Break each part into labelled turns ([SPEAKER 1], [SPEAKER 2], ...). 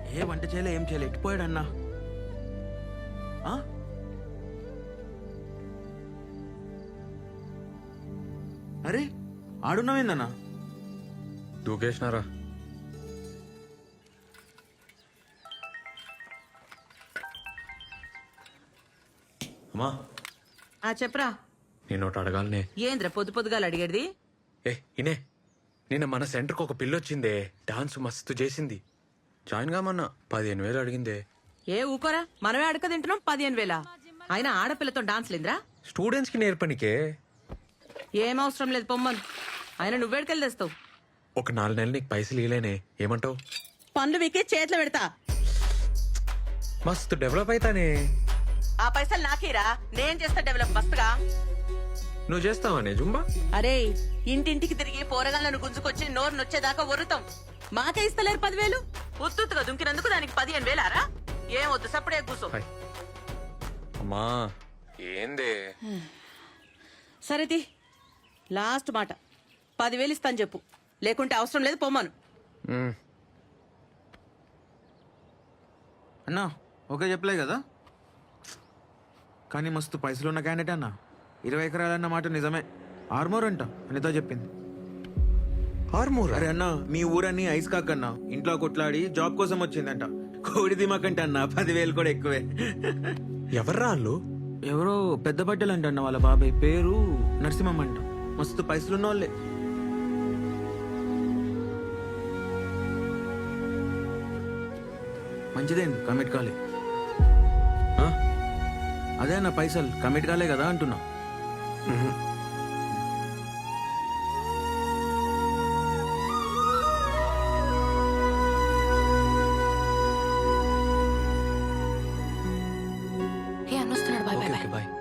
[SPEAKER 1] ఏ వంట చేయలే ఏం చేయలే ఎట్టిపోయాడన్నా ఆ? అరే ఆడున్నావేందన్నా
[SPEAKER 2] దూకేసినారా? అమ్మా
[SPEAKER 3] చెప్పరా.
[SPEAKER 2] నేను ఒకటి అడగాలనే.
[SPEAKER 3] ఏంద్ర పొద్దు పొద్దుగాలు అడిగేది?
[SPEAKER 2] ఇనే నిన్న మన సెంటర్కి ఒక పిల్ల వచ్చిందే, డాన్స్ మస్తు చేసింది. జాయిన్ కామన్నా 15,000 అడిగిందే.
[SPEAKER 3] ఏ ఊకోరా, మనమే అడక తింటున్నాం 15,000. అయినా ఆడపిల్లతో డాన్స్ లేదురా?
[SPEAKER 2] స్టూడెంట్స్ కి నేర్పనికే.
[SPEAKER 3] ఏం అవసరం లేదు పొమ్మను. అయినా నువ్వేడికెళ్ళి తెస్తావు?
[SPEAKER 2] ఒక 4 నెలలు నీకు పైసలు ఇలేనే, ఏమంటావు?
[SPEAKER 3] పనులు మీకే చేతిలో పెడతా.
[SPEAKER 2] మస్తు డెవలప్ అవుతానే.
[SPEAKER 3] ఆ పైసలు నాకేరా, నేను చేస్తా డెవలప్ మస్తుగా.
[SPEAKER 2] నువ్వు చేస్తావానే జుంబా?
[SPEAKER 3] అరే ఇంటింటికి తిరిగి పోరగాళ్ళను గుంజుకొచ్చి నోరు నొచ్చేదాకా వరుతాం. మాకే ఇస్తలేరు 10,000. ఉత్తుగా దుంకినందుకు దానికి 15,000రా? ఏం వద్దు, సప్పుడే కూర్చో.
[SPEAKER 2] అమ్మా ఏందే?
[SPEAKER 3] సరేది లాస్ట్ మాట, 10,000 ఇస్తాను చెప్పు, లేకుంటే అవసరం లేదు పొమ్మను.
[SPEAKER 1] అన్నా ఓకే చెప్పలే కదా, కానీ మస్తు పైసలు ఉన్న క్యాండిడేట్ అన్నా. 20 ఎకరాలన్న మాట నిజమే. ఆర్మోర్ అంట అనితో చెప్పింది.
[SPEAKER 2] ఆర్మూర్?
[SPEAKER 1] అరే అన్నా మీ ఊరన్నీ ఐస్ కాకన్నా ఇంట్లో కొట్లాడి జాబ్ కోసం వచ్చిందంట. కోడి దిమాకంట అన్న 10,000 కూడా ఎక్కువే.
[SPEAKER 2] ఎవర్రా వాళ్ళు?
[SPEAKER 1] ఎవరో పెద్ద బట్టలు అంట అన్న, వాళ్ళ బాబాయ్ పేరు నరసింహం అంట. మస్తు పైసలున్న వాళ్ళే. మంచిదేంది కమిట్ కాలే. అదే అన్న పైసలు కమిట్ కాలే కదా అంటున్నా.
[SPEAKER 4] అన్నొస్తున్నాడు. Bye bye bye.
[SPEAKER 2] బాయ్.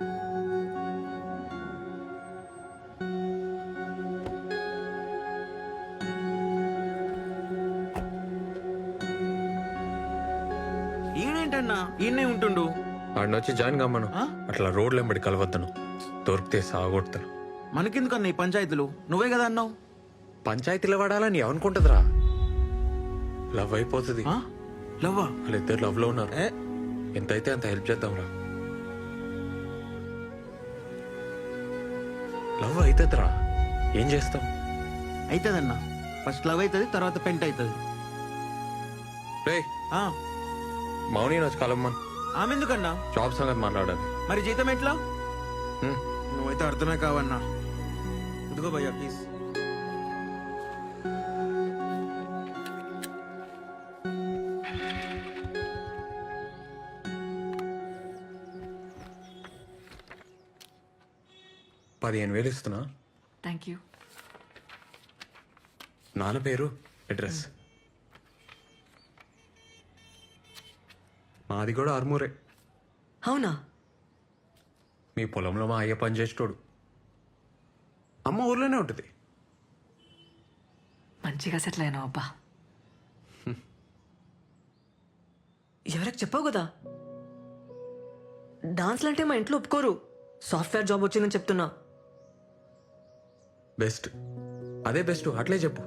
[SPEAKER 1] ఈయనేంటన్నా ఈయనే ఉంటుండు.
[SPEAKER 2] ఆడిని వచ్చి జాయిన్ కమ్మను. అట్లా రోడ్లు వెంబడి కలవద్దను, దొరికితే సాగొడతాను.
[SPEAKER 1] మనకెందుకన్నా ఈ పంచాయతీలు, నువ్వే కదా అన్నావు.
[SPEAKER 2] పంచాయతీలో వాడాలని ఏమనుకుంటుందిరా? లవ్ అయిపోతుంది.
[SPEAKER 1] లవ్వా?
[SPEAKER 2] వాళ్ళిద్దరు లవ్ లో ఉన్నారు. ఎంతైతే అంత హెల్ప్ చేద్దాంరా. లవ్ అవుతుందిరా, ఏం చేస్తాం?
[SPEAKER 1] అవుతుందన్నా, ఫస్ట్ లవ్ అవుతుంది, తర్వాత పెంట్ అవుతుంది.
[SPEAKER 2] రే మౌని వచ్చి కలమ్మన్.
[SPEAKER 1] ఆమె ఎందుకన్నా?
[SPEAKER 2] జాబ్ సంగతి మాట్లాడాలి.
[SPEAKER 1] మరి జీతం ఎట్లా?
[SPEAKER 2] హ్మ్.
[SPEAKER 1] నువ్వైతే అర్థమే కావన్నా. ఇదిగో భయ్యా ప్లీజ్.
[SPEAKER 2] $15,000 ఇస్తున్నా.
[SPEAKER 4] Thank you.
[SPEAKER 2] నాన్న పేరు, అడ్రస్. మాది కూడా ఆర్మూరే.
[SPEAKER 4] అవునా?
[SPEAKER 2] మీ పొలంలో మా అయ్య పని చేసేటోడు. అమ్మ ఊర్లోనే ఉంటుంది.
[SPEAKER 4] మంచిగా సెటిల్ అయినావు అబ్బా. ఎవరికి చెప్పావు కదా, డాన్స్లు అంటే మా ఇంట్లో ఒప్పుకోరు. సాఫ్ట్వేర్ జాబ్ వచ్చిందని చెప్తున్నా.
[SPEAKER 2] బెస్ట్, అదే బెస్ట్, అట్లే చెప్పు.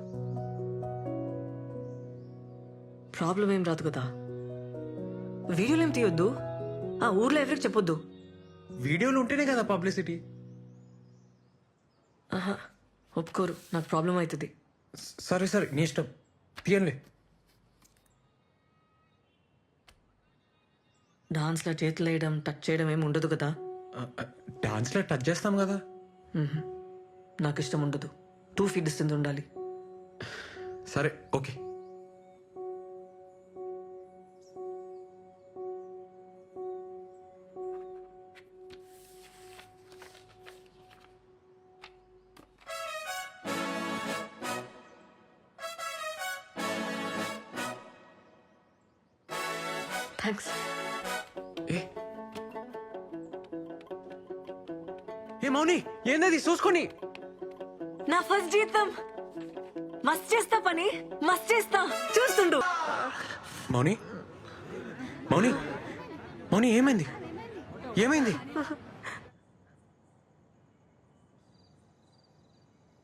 [SPEAKER 4] ప్రాబ్లం ఏం రాదు కదా. వీడియోలు ఏం తీయొద్దు, ఆ ఊర్లో ఎవరికి చెప్పొద్దు.
[SPEAKER 2] వీడియోలు ఉంటేనే కదా పబ్లిసిటీ.
[SPEAKER 4] ఆహా, ఒప్పుకోరు, నాకు ప్రాబ్లం అవుతుంది.
[SPEAKER 2] సరే సరే నీ ఇష్టం, తీయండి.
[SPEAKER 4] డాన్స్లో చేతులు వేయడం, టచ్ చేయడం ఏమి ఉండదు కదా.
[SPEAKER 2] డాన్స్లో టచ్ చేస్తాం కదా.
[SPEAKER 4] నాకు ఇష్టం ఉండదు. 2 feet డిస్టెన్స్ ఉండాలి.
[SPEAKER 2] సరే ఓకే.
[SPEAKER 4] థ్యాంక్స్.
[SPEAKER 2] ఏ మౌని, ఏందది చూసుకొని?
[SPEAKER 4] నా ఫస్ట్ జీతం. మస్త్ చేస్తా పని, మస్త్ చేస్తా, చూస్తుండు.
[SPEAKER 2] మౌని మౌని మౌని ఏమైంది? ఏమైంది?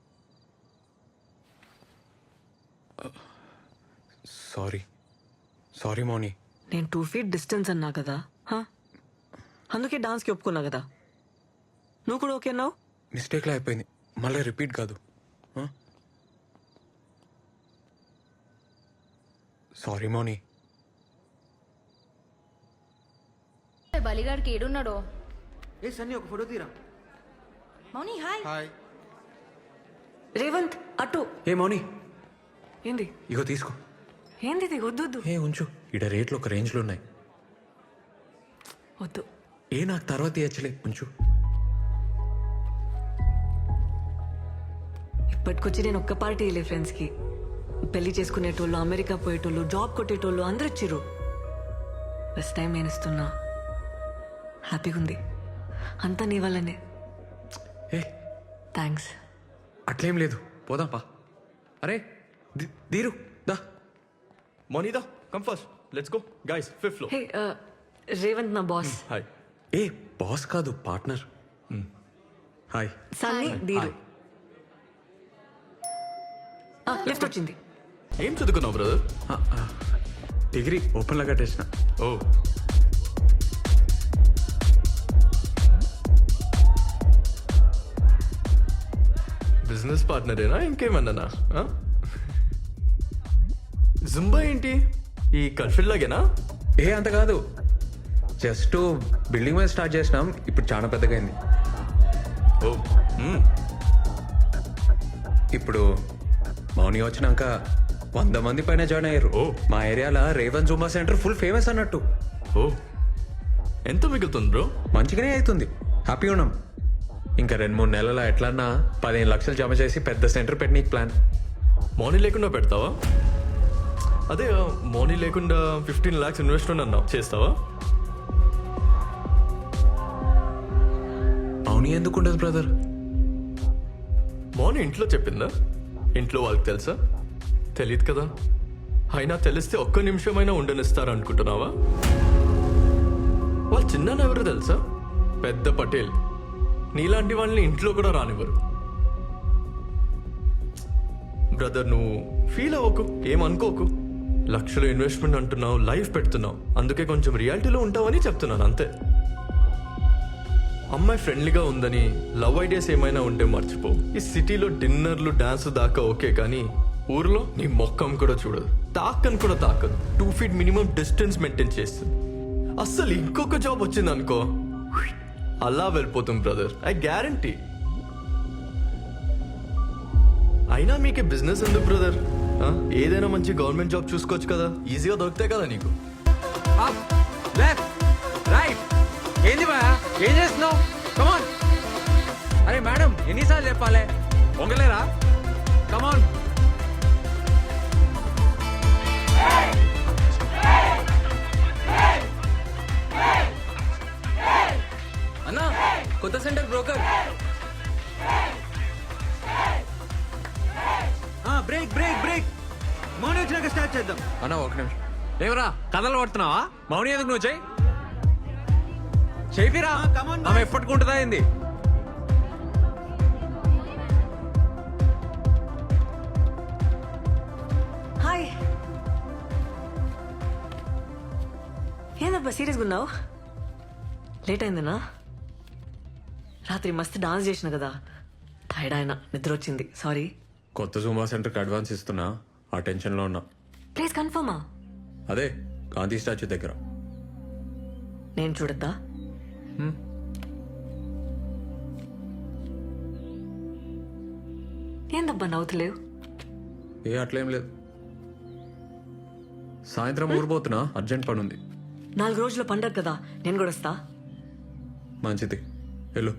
[SPEAKER 2] సారీ. సారీ మౌని.
[SPEAKER 4] నేను 2 feet డిస్టెన్స్ అన్నా కదా హా? అందుకే డాన్స్కి ఒప్పుకున్నా కదా. నువ్వు కూడా ఓకే అన్నావు.
[SPEAKER 2] మిస్టేక్లో అయిపోయింది, మళ్ళీ రిపీట్ కాదు. సారీ మౌని.
[SPEAKER 5] బలిగాడికి ఏడున్నాడో.
[SPEAKER 1] ఏ సన్నీ ఒక ఫోటో తీరా.
[SPEAKER 5] మౌని హాయ్.
[SPEAKER 4] రేవంత్ అటు.
[SPEAKER 2] ఏ మౌని,
[SPEAKER 4] ఏంది
[SPEAKER 2] ఇగో తీసుకో.
[SPEAKER 4] ఏంది ఇది? వద్దు వద్దు
[SPEAKER 2] ఏ ఉంచు, ఇడ రేట్లు ఒక రేంజ్లో ఉన్నాయి.
[SPEAKER 4] వద్దు.
[SPEAKER 2] ఏ నాకు తర్వాత ఇచ్చలే, ఉంచు.
[SPEAKER 4] ఇప్పటికొచ్చి నేను ఒక్క పార్టీ వెళ్ళే ఫ్రెండ్స్కి. పెళ్లి చేసుకునేటోళ్ళు, అమెరికా పోయేటోళ్ళు, జాబ్ కొట్టేటోళ్ళు అందరు వచ్చిర్రు. ఫస్ట్ టైం నేను ఇస్తున్నా. హ్యాపీగా ఉంది. అంతా నీ వల్లనే.
[SPEAKER 2] ఏ
[SPEAKER 4] థ్యాంక్స్.
[SPEAKER 2] అట్లేం లేదు, పోదాం పా. అరే దీరు దా.
[SPEAKER 6] Monida, come first. Let's go. Guys, 5th floor.
[SPEAKER 4] Hey Revanth నా బాస్.
[SPEAKER 6] Hi.
[SPEAKER 2] ఏ బాస్ కాదు, పార్ట్నర్. హాయ్.
[SPEAKER 4] సన్నీ దీరు. లిఫ్ట్ వచ్చింది.
[SPEAKER 6] ఏం చదువుకున్నావు బ్రదర్?
[SPEAKER 2] డిగ్రీ ఓపెన్లో కట్టేసిన.
[SPEAKER 6] ఓ బిజినెస్ పార్ట్నరేనా ఇంకేమన్నానా? జుంబా ఏంటి ఈ కల్ఫిల్ లాగేనా?
[SPEAKER 2] ఏ అంత కాదు, జస్ట్ బిల్డింగ్ మీద స్టార్ట్ చేసినాం, ఇప్పుడు చాలా పెద్దగా అయింది.
[SPEAKER 6] ఓ
[SPEAKER 2] ఇప్పుడు మౌని వచ్చినాక 100 మంది పైన జాయిన్ అయ్యారు.
[SPEAKER 6] ఓ.
[SPEAKER 2] మా ఏరియాలో Revan Zumba center full famous అన్నట్టు.
[SPEAKER 6] ఓ ఎంత మిగులుతుంది బ్రో?
[SPEAKER 2] మంచిగానే అవుతుంది, హ్యాపీగా ఉన్నాం. ఇంకా 2-3 నెలల ఎట్లన్నా 15 లక్షలు జమ చేసి పెద్ద సెంటర్ పెట్టనీకి ప్లాన్.
[SPEAKER 6] మార్నింగ్ లేకుండా పెడతావా? అదే మార్నింగ్ లేకుండా 15 lakhs ఇన్వెస్ట్మెంట్ అన్నావు, చేస్తావా?
[SPEAKER 2] మౌని ఎందుకు ఉండదు బ్రదర్?
[SPEAKER 6] మార్నింగ్ ఇంట్లో చెప్పిందా? ఇంట్లో వాళ్ళకి తెలుసా? తెలియదు కదా. అయినా తెలిస్తే ఒక్క నిమిషమైనా ఉండనిస్తారు అనుకుంటున్నావా? వాళ్ళు చిన్న ఎవరు తెలుసా? పెద్ద పటేల్. నీలాంటి వాళ్ళని ఇంట్లో కూడా రానివ్వరు. బ్రదర్ నువ్వు ఫీల్ అవ్వకు, ఏమనుకోకు. లక్షలు ఇన్వెస్ట్మెంట్ అంటున్నావు, లైఫ్ పెడుతున్నావు, అందుకే కొంచెం రియాలిటీలో ఉంటావని చెప్తున్నాను అంతే. అమ్మాయి ఫ్రెండ్లీగా ఉందని లవ్ ఐడియాస్ ఏమైనా ఉంటే మర్చిపో. ఈ సిటీలో డిన్నర్లు డాన్స్ దాకా ఓకే, కానీ ఊర్లో నీ మొక్కం కూడా చూడదు, తాకని కూడా తాకదు. 2 feet మినిమం డిస్టెన్స్ మెయింటైన్ చేస్తుంది. అస్సలు ఇంకొక జాబ్ వచ్చింది అనుకో, అలా వెళ్ళిపోతుంది బ్రదర్, ఐ గ్యారంటీ. అయినా మీకే బిజినెస్ ఎందుకు బ్రదర్? ఏదైనా మంచి గవర్నమెంట్ జాబ్ చూసుకోవచ్చు కదా, ఈజీగా దొరుకుతాయి కదా నీకు.
[SPEAKER 2] ఏంది బా, ఏం చేస్తున్నావు? కమాన్. అరే మేడం, ఎన్నిసార్లు చెప్పాలి? పొంగలేరా? కమాన్.
[SPEAKER 7] అన్నా కొత్త center broker.
[SPEAKER 1] Break break break. Mouni వచ్చినాక స్టార్ట్ చేద్దాం.
[SPEAKER 2] అన్న ఒక నిమిషం. ఏమరా కథలు పడుతున్నావా? మౌని ఎందుకు నువ్వు చెయ్యి చేపిరా.
[SPEAKER 1] come on,
[SPEAKER 2] ఆమె
[SPEAKER 1] boys.
[SPEAKER 2] ఎప్పటికుంటుందా ఏంది?
[SPEAKER 4] హాయ్. ఏందబ్బా సీరియస్గా ఉన్నావు? లేట్ అయిందనా? రాత్రి మస్తు డాన్స్ చేసిన కదా, టైర్డ్ అయినా, నిద్ర వచ్చింది, సారీ.
[SPEAKER 2] కొత్త జూమా సెంటర్కి అడ్వాన్స్ ఇస్తున్నా, ఆ టెన్షన్లో ఉన్నా.
[SPEAKER 4] ప్లీజ్ కన్ఫర్మా?
[SPEAKER 2] అదే గాంధీ స్టాచ్యూ దగ్గర.
[SPEAKER 4] నేను చూడద్దా? ఏందబ్బా నవ్వుతలేవు?
[SPEAKER 2] ఏ అట్లేం లేదు. సాయంత్రం ఊరిపోతున్నా, అర్జెంట్ పని ఉంది.
[SPEAKER 4] 4 రోజుల పండగ కదా, నేను కూడా వస్తా.
[SPEAKER 2] మంచిది, వెళ్ళు.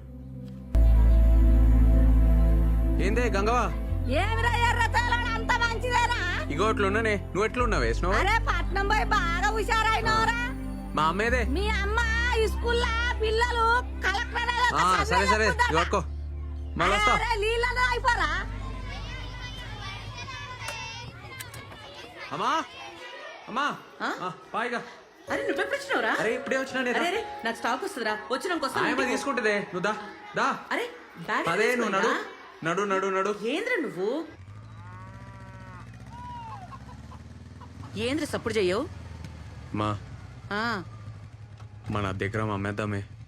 [SPEAKER 2] ఏందే గంగవా?
[SPEAKER 8] ఏమిరా ఎర్రతోలని అంత మంచిదేనా?
[SPEAKER 2] ఇగో అట్లున్నానే, నువ్వు ఎట్లున్నావు? వేసినావు?
[SPEAKER 8] అరే పట్నం పోయి బాగా హుషారైనవరా.
[SPEAKER 2] మా అమ్మేదే.
[SPEAKER 8] మీ అమ్మ ఈ స్కూల్లో పిల్లలు కలెక్టర్
[SPEAKER 2] సరే సరే ఇవ్వకో, మళ్ళీ వస్తా.
[SPEAKER 8] నీళ్ళలో అయిపోరా.
[SPEAKER 2] అమ్మా అమ్మా పాయిగా.
[SPEAKER 3] అరే నువ్వెప్పుడు వచ్చినావురా?
[SPEAKER 2] అరే ఇప్పుడే వచ్చినా నేను.
[SPEAKER 3] అరే నాకు స్టాక్ వస్తుందిరా, వచ్చినాక
[SPEAKER 2] ఆయమ్మ తీసుకుంటుందే, నువ్వు దా దా.
[SPEAKER 3] అరే బ్యాగ్
[SPEAKER 2] అదే నువ్వు నడు నడు నడు నడు.
[SPEAKER 3] ఏంద్ర నువ్వు? ఏంద్ర సప్పుడు చెయ్యవు?
[SPEAKER 2] మా
[SPEAKER 3] ఆ,
[SPEAKER 2] మన దగ్గర అమ్మేద్దామే